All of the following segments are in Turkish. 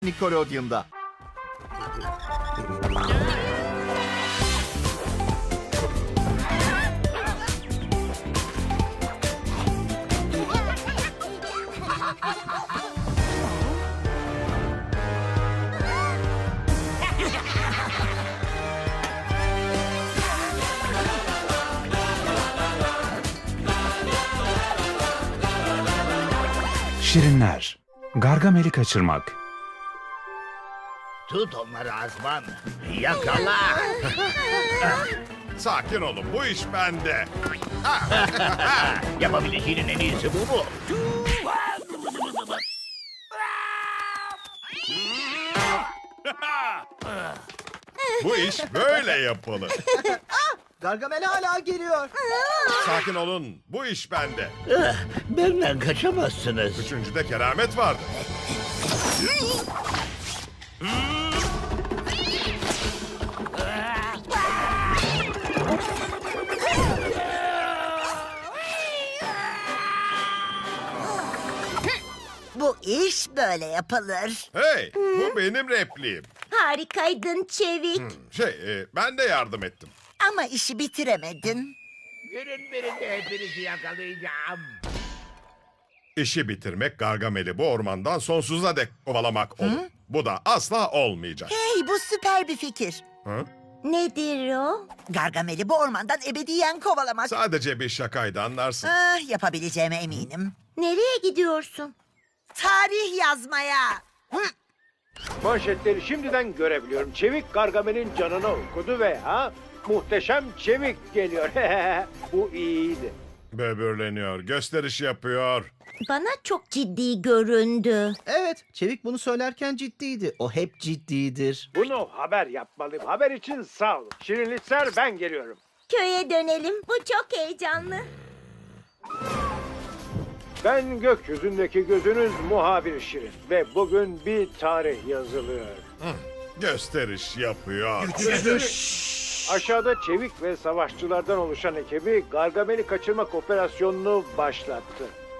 Nickelodeon'da. Şirinler. Gargamel'i kaçırmak. Tut onları Azman. Yakala. Sakin olun, bu iş bende. Yapabileceğinin en iyisi bu mu? Bu iş böyle yapılır. Gargamel hala geliyor. Sakin olun, bu iş bende. Benden kaçamazsınız. Üçüncüde keramet vardı. Bu iş böyle yapılır. Hey, bu benim repliğim. Harikaydın Çevik. Ben de yardım ettim. Ama işi bitiremedin. Günün birinde hepinizi yakalayacağım. İşi bitirmek Gargamel'i bu ormandan sonsuza dek kovalamak olur. Bu da asla olmayacak. Hey, bu süper bir fikir. Hı? Nedir o? Gargamel'i bu ormandan ebediyen kovalamak. Sadece bir şakaydı, anlarsın. Yapabileceğime eminim. Nereye gidiyorsun? Tarih yazmaya. Manşetleri şimdiden görebiliyorum. Çevik Gargamel'in canını okudu ve muhteşem Çevik geliyor. Bu iyiydi. Böbürleniyor, gösteriş yapıyor. Bana çok ciddi göründü. Evet, Çevik bunu söylerken ciddiydi. O hep ciddidir. Bunu haber yapmalıyım. Haber için sağ olun. Şirinlikler, ben geliyorum. Köye dönelim. Bu çok heyecanlı. Ben gökyüzündeki gözünüz muhabir Şirin. Ve bugün bir tarih yazılıyor. Gösteriş yapıyor. Aşağıda Çevik ve savaşçılardan oluşan ekibi Gargamel'i kaçırmak operasyonunu başlattı.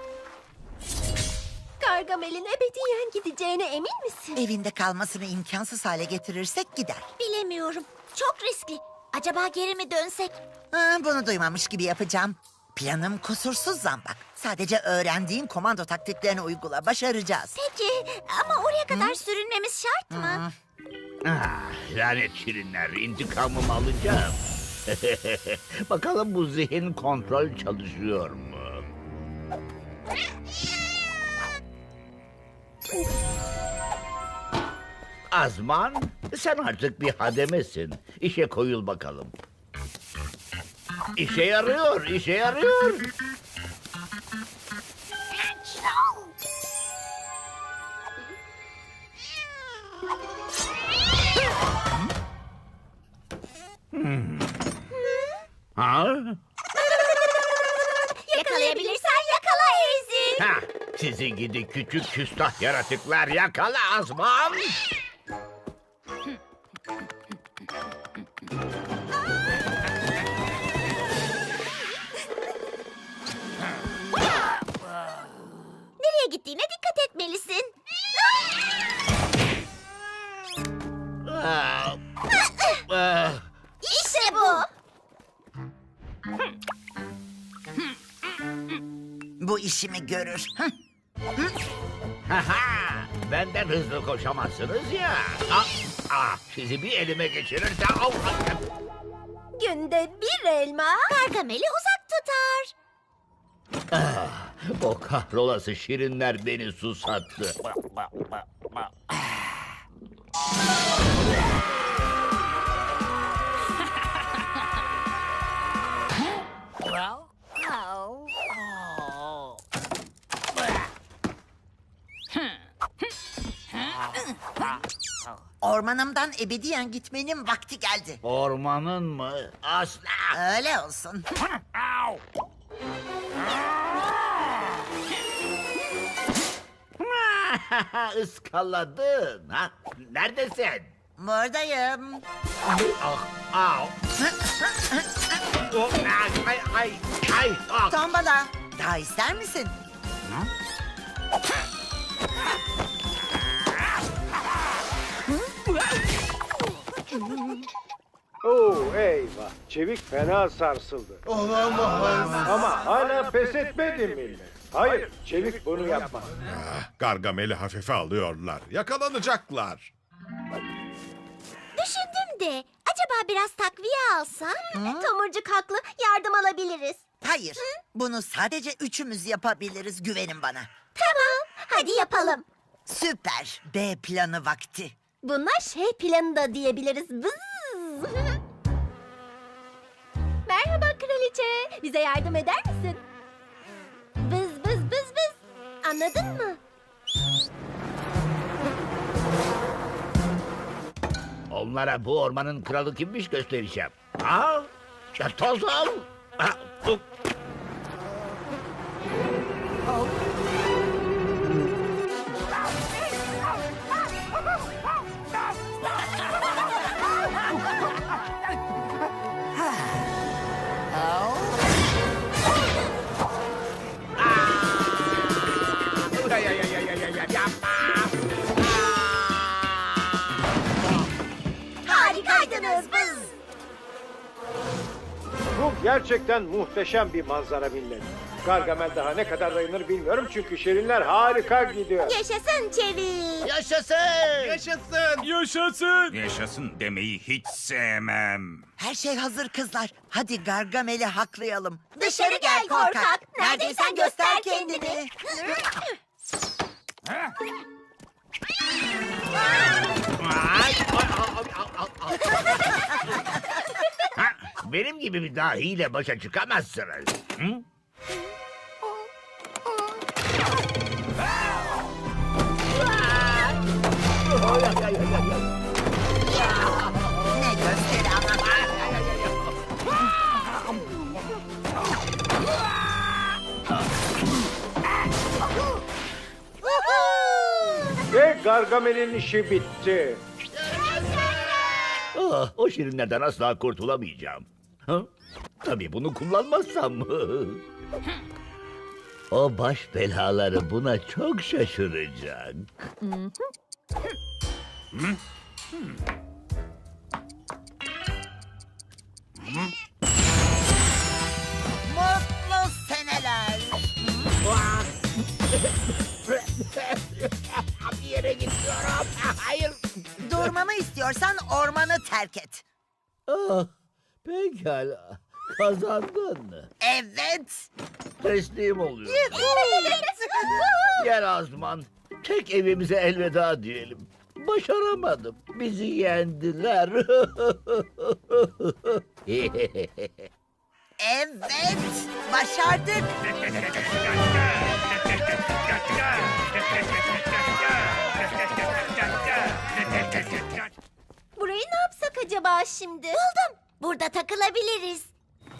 Gargamel'in ebediyen gideceğine emin misin? Evinde kalmasını imkansız hale getirirsek gider. Bilemiyorum. Çok riskli. Acaba geri mi dönsek? Bunu duymamış gibi yapacağım. Planım kusursuz Zambak. Sadece öğrendiğin komando taktiklerini uygula. Başaracağız. Peki ama oraya kadar sürünmemiz şart mı? Lanet şirinler, intikamımı alacağım. Bakalım bu zihin kontrol çalışıyor mu? Azman, sen artık bir hademesin. İşe koyul bakalım. İşe yarıyor, işe yarıyor. Ha? Yakalayabilirsen yakala Ezi. Ha, sizi gidi küçük küstah yaratıklar, yakala Azman. Nereye gittiğine dikkat etmelisin. İşte bu. Bu işimi görür. Haha, benden hızlı koşamazsınız ya. Sizi bir elime geçirirse... Günde bir elma Gargamel'i uzak tutar. O kahrolası şirinler beni susattı. Ormanımdan ebediyen gitmenin vakti geldi. Ormanın mı? Asla! Öyle olsun. Iskaladın. Ha? Neredesin? Buradayım. Au. Ay. Tombala. Daha ister misin? Çevik fena sarsıldı. Olamaz. Ama hala pes etmedi millet. Hayır, Çevik bunu yapmaz. Gargamel'i hafife alıyorlar. Yakalanacaklar. Düşündüm de acaba biraz takviye alsam? Tomurcuk haklı, yardım alabiliriz. Hayır, bunu sadece üçümüz yapabiliriz, güvenin bana. Tamam, hadi yapalım. Süper, B planı vakti. Bunlar şey planı da diyebiliriz. Vız. Merhaba kraliçe. Bize yardım eder misin? Vız vız vız vız. Anladın mı? Onlara bu ormanın kralı kimmiş göstereceğim. Ha? Ya toz al. Ha, bu- Ay, ay, ay, ay, ay, ay, yapma. Harikaydınız vız. Bu gerçekten muhteşem bir manzara millet. Gargamel daha ne kadar dayanır bilmiyorum çünkü şirinler harika gidiyor. Yaşasın çevik. Yaşasın. Yaşasın demeyi hiç sevmem. Her şey hazır kızlar. Hadi Gargamel'i haklayalım. Dışarı gel korkak. Neredeysen göster kendini. Ay, ay, ay, ay, ay, ay. Ha, benim gibi bir dahiyle başa çıkamazsınız. Hı? Ay, ay, ay, ay, ay. Ne gösteri ama. Ve Gargamel'in işi bitti. Ah, o şirinlerden asla kurtulamayacağım. Ha? Tabii bunu kullanmazsam. O baş belaları buna çok şaşıracak. Mutlu seneler. Bir yere gidiyorum. Hayır. Durmamı istiyorsan ormanı terk et. Ah, pekala. Kazandın. Evet. Teslim oluyorum. Gel Azman. Tek evimize elveda diyelim. Başaramadım. Bizi yendiler. Evet. Başardık. Burayı ne yapsak acaba şimdi? Buldum. Burada takılabiliriz.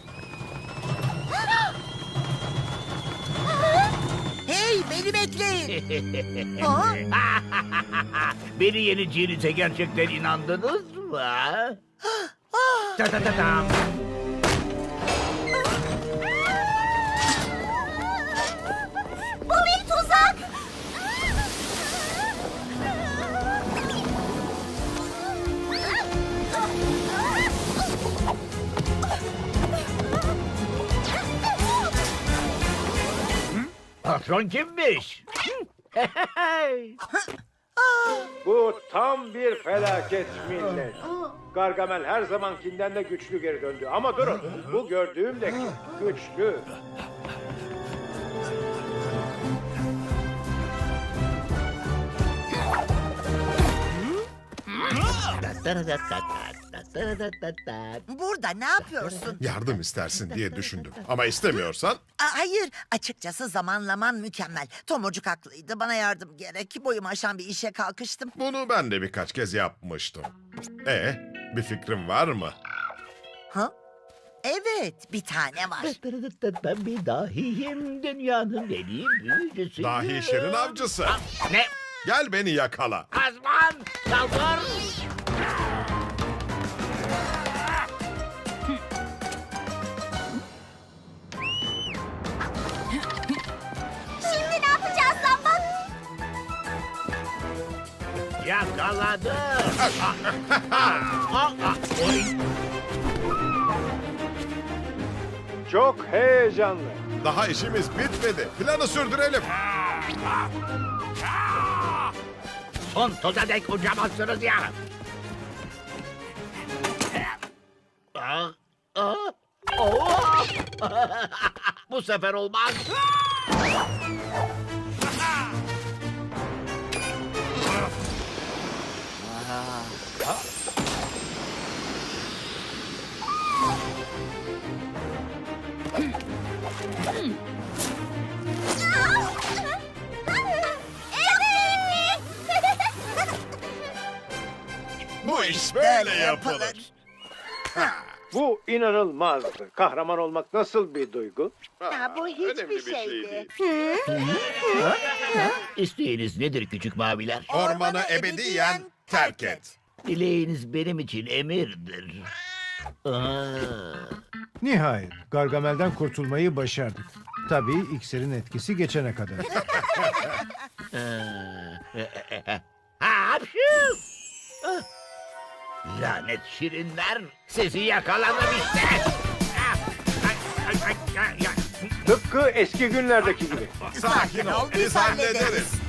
Hey, beni bekleyin. Ha? Beni yeneceğinize gerçekten inandınız mı? ha? Ta ta ta tam. Bu bir tuzak. Patron kimmiş? Bu tam bir felaket millet. Gargamel her zamankinden de güçlü geri döndü. Ama durun, bu gördüğüm de güçlü. Burada ne yapıyorsun? Yardım istersin diye düşündüm. Ama istemiyorsan Hayır, açıkçası zamanlaman mükemmel. Tomurcuk haklıydı, bana yardım gerek. Boyumu aşan bir işe kalkıştım. bunu ben de birkaç kez yapmıştım. Bir fikrin var mı? Ha? Evet, bir tane var. Ben bir dahiyim. Dünyanın en iyi büyücüsüyüm. Dahi şirin avcısı. Ne? Gel beni yakala. Azman! Saldır! Şimdi ne yapacağız Zambak? Yakaladım. Oy. Çok heyecanlı. Daha işimiz bitmedi. Planı sürdürelim. Son toza dek uçamazsınız ya. Bu sefer olmaz. Bu iş böyle yapılır. Bu inanılmazdı. Kahraman olmak nasıl bir duygu? Ya bu Önemli hiçbir bir şey şeydi. değil. İsteğiniz nedir küçük maviler? Ormanı ebediyen terk et. Dileğiniz benim için emirdir. Nihayet Gargamel'den kurtulmayı başardık. Tabii iksirin etkisi geçene kadar. Hapşu! Lanet şirinler, sizi yakaladım işte. Tıpkı eski günlerdeki gibi. Sakin ol, biz hallederiz.